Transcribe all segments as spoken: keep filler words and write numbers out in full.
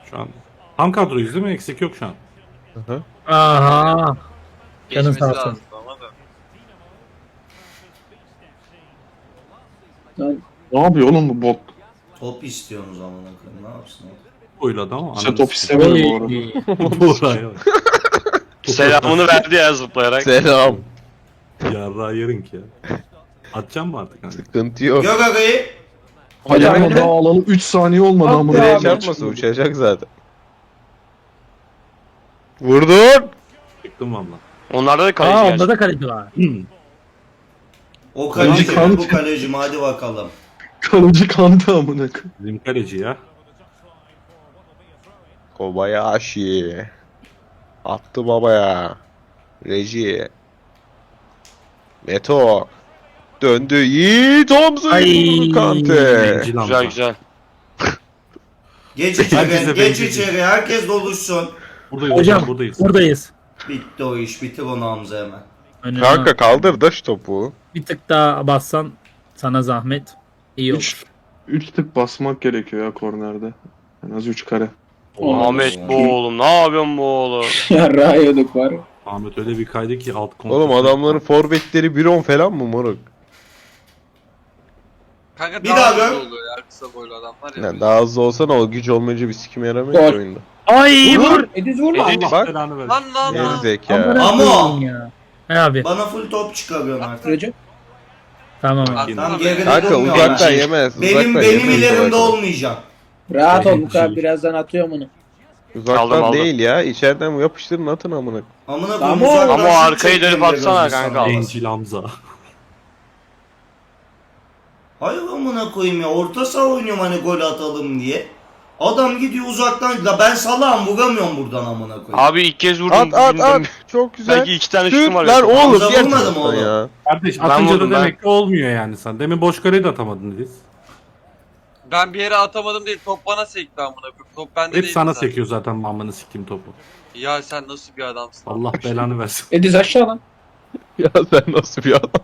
Şu an tam kadroyuz değil mi? Eksik yok şu an. Hı hı. Aha. Canın Geçmesi sağ olsun. lazım ama da. Lan Ne yapıyor oğlum bu bot? Top istiyorsunuz amına koyayım. Ne yapsın o? Oyladı ama. Sen top istemiyorum bu arada. Oy. Buraya. Selamını verdi ya zıplayarak. Selam. Yarrağı yarın ki ya. Atacağım mı artık? Hani? Sıkıntı yok. Gök agayı. Hocam Hocam daha alalım üç saniye olmadı Hadi ama. ya. Nereye çarpmasın, uçacak zaten. Vurdun. Çıktım valla. Onlarda da kaleci Aa gerçi. onda da kaleci var. O kaleci Kaleci mi bu kandı. kaleci mi? Hadi bakalım. Kalıcı kandı amına koyayım. Bizim kaleci ya. Kobayashi. Attı babaya. Reji. Meto. Döndü. Yiğit omzu Ay. vurdu Kante. Bencil Güzel amca. güzel. Geç Herkese içeri, geç benziyor. içeri. Herkes doluşsun. Buradayız Hocam hocam buradayız. buradayız. Bitti o iş. Bitir onu Hamza hemen. Önüne Kanka kaldır da şu topu. bir tık daha bassan sana zahmet. İyi olur. Üç, üç tık basmak gerekiyor ya kornerde. En az üç kare. Ahmet bu oğlum. Ne yapıyorsun bu oğlum? yarrağı yedik var. Ahmet öyle bir kaydı ki alt kontrol. Oğlum adamların forvetleri bir on falan mı moruk? Kanka Bir daha daha hızlı gör. oluyor ya kısa boylu adamlar ya. Yani daha hızlı olsa ne o güç olmayınca bir sikim yaramıyor Gol. ki oyunda. Ay vur. Ediz vurma. Ediz- Allah Bak. belanı versin. Lan lan lan. Gerizeka. Amına Ama- koyayım ya. He abi. Bana full top çıkarıyorsun artık. Recep. Tamam abi. Atsana Tam be. geride Kanka durmuyor uzaktan ama. yemez. Benim uzaktan benim yemez ilerimde uzaktan. olmayacak. Rahat ol Benim Muka şey- birazdan atıyorum onu. Uzaktan Aldım, aldım. değil ya. İçeriden yapıştırın atın amına. Amına Ama- koyayım uzaktan Ama o şut arkayı dönüp çektim de atsana gözü kanka. sana. Bencil Hamza. Hayır amına koyayım ya. Orta saha oynuyorum hani gol atalım diye. Adam gidiyor uzaktan. La ben salağım vuramıyorum buradan amına koyayım. Abi ilk kez vurdum. At at bilmiyorum. at. Çok güzel. Belki iki tane Şut şutum var. lan ya. oğlum. Hamza diğer vurmadı mı taraftan oğlum? ya. Kardeş Ben atınca vurdum, da ben. demek ki olmuyor yani sen. Demin boş kareyi de atamadın Ediz. Ben bir yere atamadım değil. Top bana sekti amına koyayım. Top bende Hep değil. sana zaten. sekiyor zaten mammanı siktim topu. Ya sen nasıl bir adamsın? Allah belanı versin. Ediz aşağı lan. Ya sen nasıl bir adam?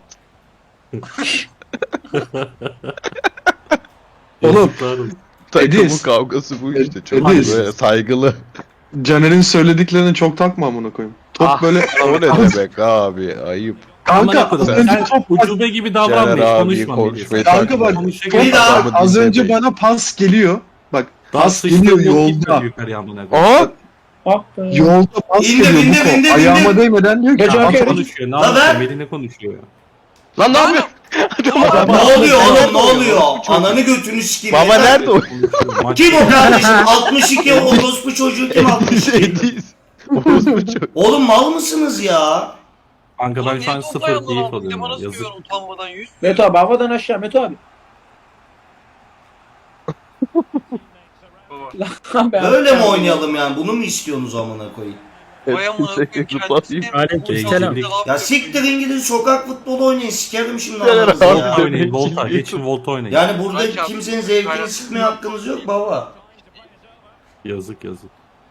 Oğlum. Yazıklarım. Takımın Ediz. kavgası bu işte. Çok Ediz. böyle saygılı. Caner'in söylediklerini çok takma amına koyayım. Top Ah, böyle O ne demek abi? Ayıp. kanka Amına az koyayım, önce sen top ucube gibi Caner davranma hiç abi konuşma. konuşmayı Melih. Kanka bak, Konuşacak Bir bir daha. daha. Adamı az önce dinlemeyin. bana pas geliyor. Bak Daha pas sıçtığın geliyor yok gitmedi yolda. yukarıya amına koyayım. Aha! Ah be. Yolda pas İndir, geliyor indir, bu indir, kol. Ayağıma indir. değmeden diyor ki Gece at- arkaya- Konuşuyor. Ne La yapıyor? ver. Melih ne konuşuyor ya? Lan ne yapıyorsun? Ne oluyor oğlum ne oluyor? Ananı götünü sikeyim. Baba yeter. nerede o? Konuşuyor. Maç- Kim o kardeşim? altmış iki orospu çocuğu kim altmış iki? Ediz. Orospu çok. Oğlum mal mısınız ya? Kanka ben Ulan şu an niye sıfır toplayalım keyif lan? alıyorum. Bana ya, nasıl Yazık. güven utanmadan yüz? Meto abi havadan aşağı Meto abi. Baba. Lan be abi. Böyle mi oynayalım yani? Bunu mu istiyorsunuz amına koyayım? Vay amına koyayım Zıplatayım. kendisi. Aleykümselam. Ya siktirin gidin sokak futbolu oynayın. Sikerim şimdi Gel ananızı abi. ya. Volta oynayın. Volta. Geçin Volta oynayın. Yani burada Kaç abi? kimsenin zevkini Kaç? sikmeye hakkınız yok baba. Yazık yazık.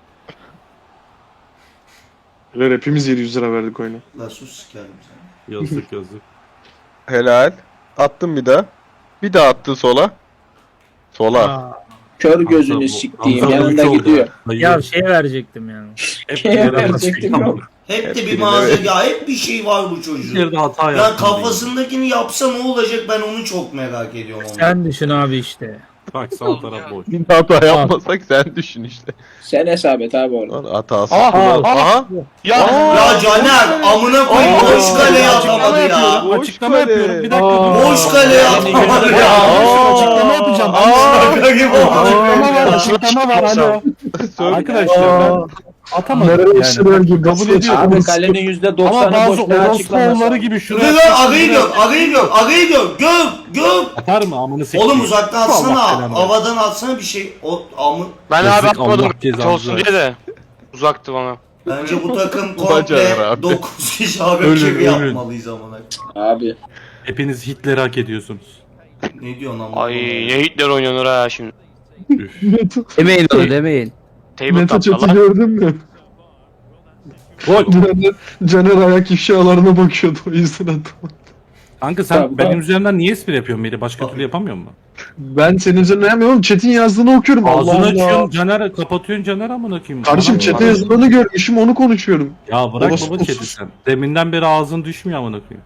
Ver, hepimiz yedi yüz lira verdik oyuna. La sus sikerim seni. Yazık yazık. Helal. Attım bir daha. Bir daha attı sola. Sola. Aa, Kör gözünü Hamza bu- siktiğim Hamza bu yanında üç oldu gidiyor. Dayı. ya şey verecektim yani. Hep Şeye bir yere verecektim, basıyor. yok. Hep de Hep bir birine malzeme ver. ya hep bir şey var bu Bir çocuğun. yerde hata Ya yaptım. kafasındakini yapsa ne olacak ben onu çok merak ediyorum. onu. Sen düşün abi işte. Bak sağ taraf boş. Bir hata yapmasak sen düşün işte. Sen hesap et abi orada. Lan hatası. Aha, Aha. aha. Aha. Ya Ya Caner amına koyayım Aa, boş kaleye açıklama atamadı ya. yapıyorum. Boş Açıklama kale. yapıyorum. Bir dakika. Aa. dur. Boş kaleye atamadı ya. Aa. Açıklama yapacağım. Aa. Şaka gibi oldu. Açıklama var. Açıklama var. Alo. Söyle. Arkadaşlar ben atamadım Nereye yani. işler gibi Kabul ediyorum. Abi kalenin yüzde Ama doksanı bazı boş ne orospu açıklaması. oğulları gibi Dur şuraya lan agayı gör, agayı gör, agayı gör, gör, gör. atar mı amını sikeyim. Oğlum uzaktan Allah atsana, belanı versin. havadan atsana bir şey. O amı. ben Yazık, abi atmadım. Allah cezanı Olsun diye de. Uzaktı bana. Bence bu takım Caner komple abi. dokuz kişi rakibi Ölün, ölün. yapmalıyız amına. Abi. Hepiniz Hitler'i hak ediyorsunuz. Ne diyorsun amına? Ay ne Hitler oynanır ha şimdi. Üf. Demeyin onu demeyin. Table Mete top chat'i Allah. gördün mü? Gol. Caner, Caner ayak ifşalarına bakıyordu o yüzden atamadı. Kanka sen Tabii, benim tabii. üzerimden niye espri yapıyorsun Melih? Başka türlü yapamıyor mu? Ben senin üzerine yapmıyorum. Chat'in yazdığını okuyorum. Allah Ağzını Allah. açıyorsun Caner, kapatıyorsun Caner amına koyayım. Kardeşim Bana- chat'e yazılanı görmüşüm onu konuşuyorum. Ya bırak Orası- baba chat'i sen. Deminden beri ağzın düşmüyor amına koyayım.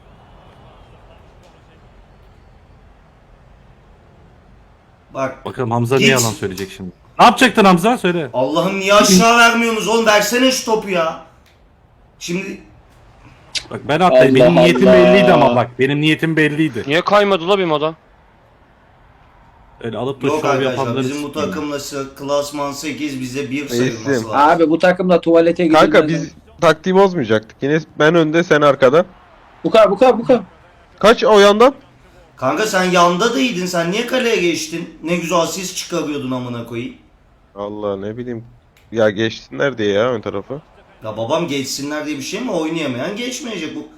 Bak Bakalım Hamza Git. ne yalan söyleyecek şimdi. Ne yapacaktın Hamza? Söyle. Allah'ım niye aşağı vermiyorsunuz oğlum, versene şu topu ya. Şimdi Bak ben atlayayım. Benim Allah niyetim Allah. belliydi ama bak. Benim niyetim belliydi. Niye kaymadı la benim adam? Öyle alıp da yok şov arkadaşlar yapanları bizim bu sikeyim. takımla sı- klasman sekiz bize bir Reisim. sayılması lazım. Abi bu takımda tuvalete gidilmez. Kanka biz taktiği bozmayacaktık. Yine ben önde sen arkada. Bu kadar bu kadar bu kadar. Kaç o yandan? Kanka sen yanda değildin, sen niye kaleye geçtin? Ne güzel asist çıkarıyordun amına koyayım. Allah ne bileyim. Ya geçsinler diye ya ön tarafı. Ya babam geçsinler diye bir şey mi? Oynayamayan geçmeyecek bu.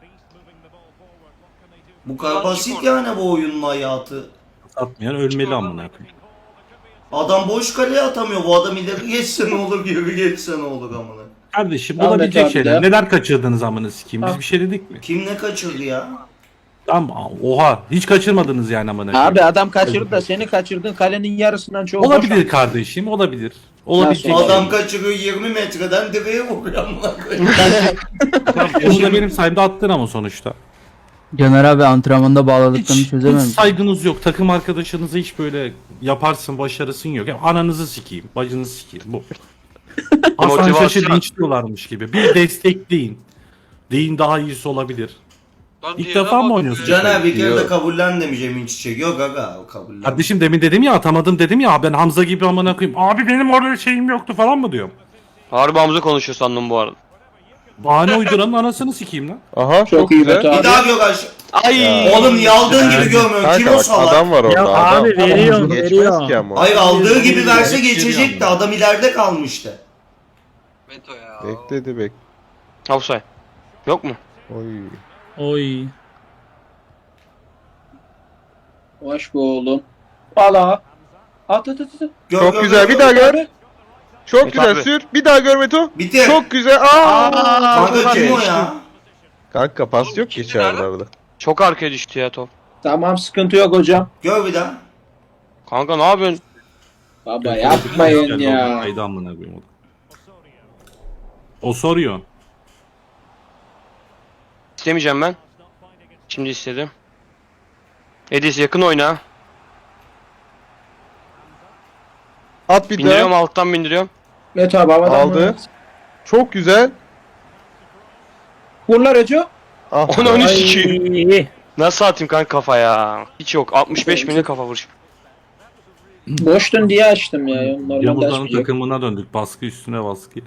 Bu kadar basit yani bu oyunun hayatı. Atmayan ölmeli amına koyayım. Adam boş kaleye atamıyor. Bu adam ileri geçse ne olur, geri geçse ne olur amına. Kardeşim Ahmet olabilecek abi şeyler. de. Neler kaçırdınız amına sikeyim? Biz Ha. bir şey dedik mi? Kim ne kaçırdı ya? Tamam oha. Hiç kaçırmadınız yani amına koyayım. Abi adam kaçırdı da seni kaçırdın kalenin yarısından çoğu boş. Olabilir kardeşim, olabilir. Olabilecek Nasıl? şey. Adam kaçırıyor yirmi metreden direğe vuruyor amına koyayım. Tamam, onu da benim sayemde attın ama sonuçta. Caner abi antrenmanda bağladıklarını Hiç, hiç çözememiş. saygınız yok. Takım arkadaşınızı hiç böyle yaparsın, başarısın yok. Ya ananızı sikeyim, bacınızı sikeyim. Bu. Hasan Motivasyon. Şaş'ı linçliyorlarmış gibi. Bir destekleyin. Deyin daha iyisi olabilir. Lan İlk diğerine defa mı bak oynuyorsun? ya. Caner bir kere de Yok. kabullen demiş Emin Çiçek. Yok aga o kabullen. Kardeşim demin dedim ya atamadım dedim ya ben Hamza gibi amına koyayım. Abi benim orada şeyim yoktu falan mı diyorum. Harbi Hamza konuşuyor sandım bu arada. Bahane uyduranın anasını sikeyim lan. Aha çok, Çok iyi güzel. Beto Bir daha daha gök aşağı. Ay. Oğlum niye aldığın gibi görmüyorsun? Kim Kanka o bak salak? adam var orada. Ya adam. abi veriyorum, Geçmez veriyorum. ki ama. Hayır aldığı gibi verse Geçiriyor geçecekti. ama. Adam ileride kalmıştı. Beto ya. Bekledi bek. Offside. Yok mu? Oy. Oy. Hoş bu oğlum. Valla. At at at at. Gör, Çok gör, güzel, gör, bir daha gör. Abi. Çok Evet güzel abi. sür. Bir daha gör Meto. Bitir. Çok güzel. Aa! Kanka kim o Geçti. ya? Kanka pas Oğlum, yok ki kimdi içerilerde. Çok arkaya düştü ya top. Tamam sıkıntı yok hocam. Gör bir daha. Kanka ne yapıyorsun? Baba yapmayın ya. Haydi amına koyayım o da. O soruyor. İstemeyeceğim ben. Şimdi istedim. Edis yakın oyna. At bir Bindiriyorum daha. alttan bindiriyorum. Beto abi havadan Aldı. vur. Çok güzel. Vur lan Reco. Ah. Onu be. önü sikeyim. Ay. Nasıl atayım kanka kafa ya? Hiç yok. altmış beş bine kafa vuruş. Boştun diye açtım ya. Normalde Yavuzların açmayacak. takımına döndük. Baskı üstüne baskı.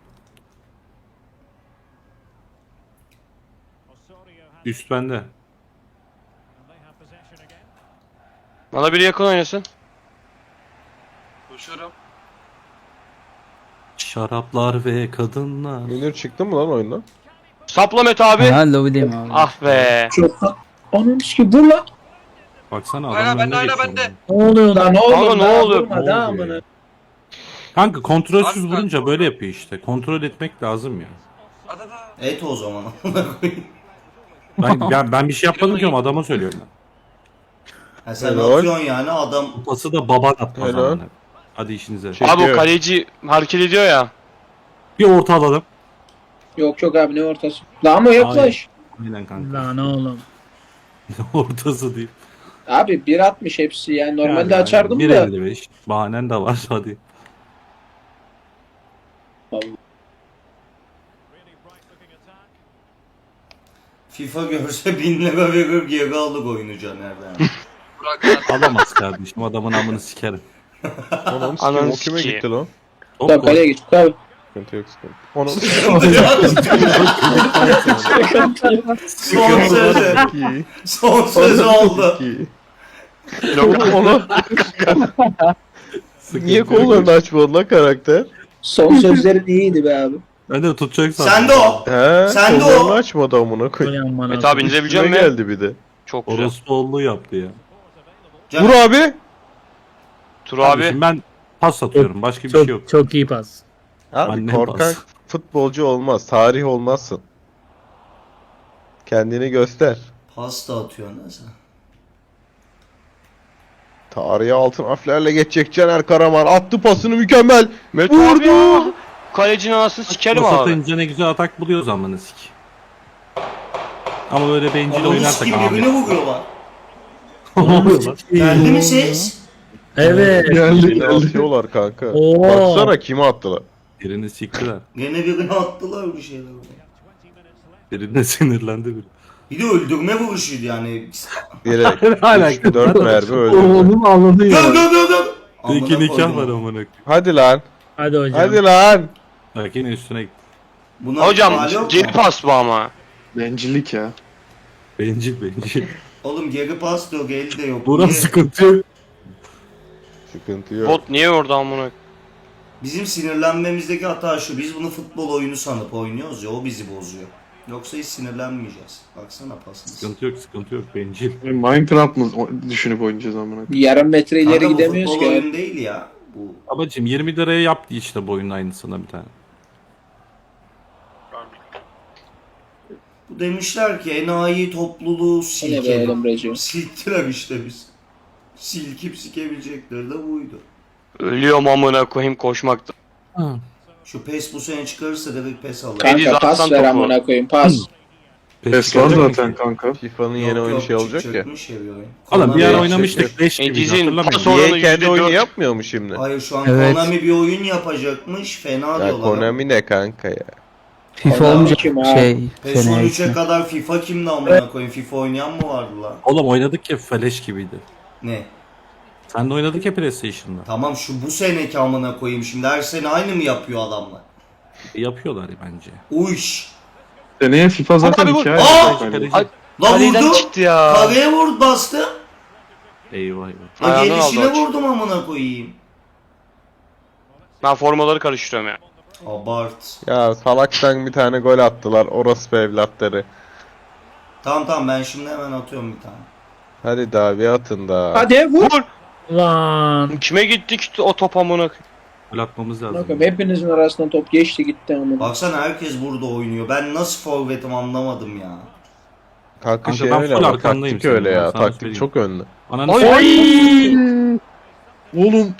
Üst bende. Bana biri yakın oynasın. Koşuyorum. Şaraplar ve kadınlar. Münir çıktı mı lan oyundan? Sapla Mete abi. Ha lobideyim abi. Ah be. Çok. Onun ki vur lan. Baksana Aynen, adamın bende, önüne aynen, geçiyor. bende. Ne oluyor lan? Lan ne Kanka, olur ne daha oluyor? vurma, Ne daha oluyor amına. ya? Kanka kontrolsüz Abi, vurunca ben- böyle yapıyor işte. Kontrol etmek lazım ya. Hadi hadi. Et o zaman amına koyayım. Ben, ben, ben bir şey yapmadım ki ama adama söylüyorum ben. Ha sen Helal. atıyorsun yani adam. Pası da baban atmaz Helal. amına. Hadi işinize. Şey- Abi o Çekiyor. kaleci hareket ediyor ya. Bir orta alalım. Yok yok abi ne ortası. Lan ama yaklaş. Aynen kanka. Lan oğlum. Ortası değil. Abi bir altmış hepsi yani normalde Yani açardım bir da. elli beş. Bahanen de var hadi. FIFA görse bin lira verir geri alır oyunu Caner'den. Burak lan. Alamaz kardeşim adamın amını sikerim. Anam sikim Ananı o kime sikeyim. gitti lan? Top Tamam gol. kaleye git abi. Sıkıntı yok sıkıntı. Onu Son sözü. iyi. Son sözü oldu. İyi. Yok. Onu niye kollarını açmadın lan karakter? Son sözlerin iyiydi be abi. Ben de tutacak sandım. Sen de o. He, Sen de kollarını o. açmadı amına koy. Ulan bana. Mete abi indirebilecek Üstüme misin? geldi bir de. Çok güzel. Orospuoğlu yaptı ya. Caner, Vur abi. Tur abi. Kardeşim ben pas atıyorum. Başka bir Çok, şey yok. çok iyi pas. Abi Annem korkak bas. futbolcu olmaz. Tarih olmazsın. Kendini göster. Pas da atıyorsun ha sen. Tarihe altın harflerle geçecek Caner Karaman. Attı pasını mükemmel. Mete abi ya. Kalecinin anasını sikerim Pas abi. atınca ne güzel atak buluyoruz amına sik. Ama böyle bencil Ananı oynarsak sikim birbirine Ahmet. vuruyorlar. Ne oluyor lan? Geldi mi ses? Evet. Geldi Yine geldi. atıyorlar kanka. Oo. Baksana kime attılar. Birini siktiler. Gene birine attılar bir şeyler. Birine sinirlendi biri. Bir de öldürme vuruşuydu yani. Direkt. Hala üç dört mermi öldü. Oğlum anladın Gö ya. gö gö gö. İki Amına nikah koydum. var amına koyayım. Hadi lan. Hadi hocam. Hadi lan. Bak yine üstüne gitti. Buna Hocam ihtimal yok geri mu? pas bu ama. Bencillik ya. Bencil bencil. Oğlum geri pas da yok, el de yok. Buran Niye? sıkıntı yok. Sıkıntı yok. Bot niye orada amına? Bizim sinirlenmemizdeki hata şu. Biz bunu futbol oyunu sanıp oynuyoruz ya, o bizi bozuyor. Yoksa hiç sinirlenmeyeceğiz. Baksana pasımız. Sıkıntı yok sıkıntı yok bencil. Minecraft mı o- düşünüp oynayacağız amına? Yarım metre ileri Kanka bu gidemiyoruz futbol ki. oyun değil ya. Bu Babacım yirmi liraya yaptı işte bu oyunun aynısına bir tane. Bu demişler ki enayi topluluğu Ne be silkelim. Emre'ciğim. Silktiler işte biz. Silkip sikebilecekleri de buydu. Ölüyorum amına koyayım koşmakta. Şu pes bu sene çıkarırsa direkt pes alır. Kanka, Kanka pas atsan ver topu. amına koyayım pas. Pes var gelecek mi zaten ki? kanka. FIFA'nın Yok, yeni oyunu yok, şey olacak ya. çıkacakmış ya bir oyun. Oğlum bir ara Konami- oynamıştık leş gibi Ediz'in hatırlamıyor pas musun? oranı Niye kendi yüzde oyunu dört. yapmıyor mu şimdi? Hayır şu an Evet. Konami bir oyun yapacakmış. Fena Ya diyorlar. Konami ne kanka ya? FIFA Adam olunca kim ha? şey PES seneye on üçe gitme. kadar FIFA kimdi amına koyayım? FIFA oynayan mı vardı lan? Oğlum oynadık ya feleş gibiydi. Ne? Sen de oynadık ya PlayStation'da. Tamam şu bu seneki amına koyayım şimdi her sene aynı mı yapıyor adamlar? E, yapıyorlar bence. Uyş. Seneye FIFA zaten Abi bu- iki Aa! ay. Yani. Kaleci. Ay- Lan Kaleden vurdu. çıktı ya. Kaleye vurdu bastı. Eyvah eyvah. La Ayağından gelişine aldı aç. vurdum amına koyayım. Ben formaları karıştırıyorum ya. Abart. Ya salaktan bir tane gol attılar. Orası be evlatları. Tamam tamam ben şimdi hemen atıyorum bir tane. Hadi daha bir atın da. Hadi vur. Vur. Lan. Kime gittik işte o top amına koyayım. Gol atmamız lazım. Bakın hepinizin arasından top geçti gitti amına. Baksana herkes burada oynuyor. Ben nasıl forvetim anlamadım ya. Kanka Kanka şey ben öyle full ama arkandayım taktik öyle senin, ben ya. sana Taktik söyleyeyim. çok önlü. Ananı Ay! s- Oğlum.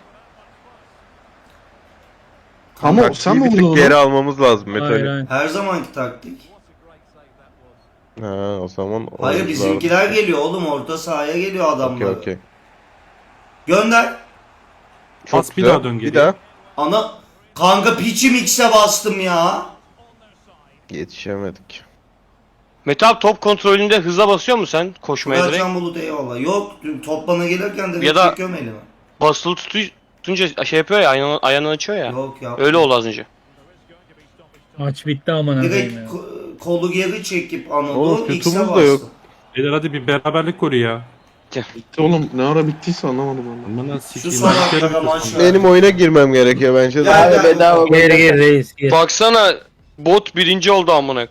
Ama Taktiği sen mi bir tık vurdun geri onu? almamız lazım Hayır Metali. hayır. Her zamanki taktik. Ha o zaman Hayır olmamız bizimkiler lazım. geliyor oğlum orta sahaya geliyor adamlar. Okey okey. Gönder. Çok Pas bir güzel. daha dön Bir geriye. daha. Ana kanka piçim X'e bastım ya. Yetişemedik. Mete abi top kontrolünde hıza basıyor musun sen koşmaya direkt? Furkan Bulut eyvallah. Yok dün top bana gelirken de Ya da- çekiyorum elimi. Basılı tutu- tutunca şey yapıyor ya ayağını, ayağını açıyor ya. Yok ya. Öyle oldu az önce. Maç bitti amına koyayım Direkt ya. ko- kolu geri çekip Oğlum, Anadolu X'e şutumuz da bastım. yok. Beyler hadi bir beraberlik golü ya. Oğlum ne ara bittiyse anlamadım ben. Amına Şu sikeyim. son ben bir kere dakikada maç bitiyorsun. var. Benim oyuna girmem gerekiyor bence de. Ya- Abi bedava gol. Gir gir reis gir. Baksana bot birinci oldu amına.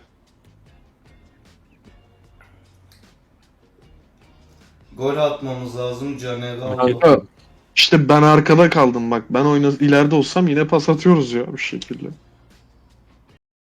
Gol atmamız lazım Caner'e Hak aldı. ettim. İşte ben arkada kaldım bak. Ben oyna ileride olsam yine pas atıyoruz ya bir şekilde.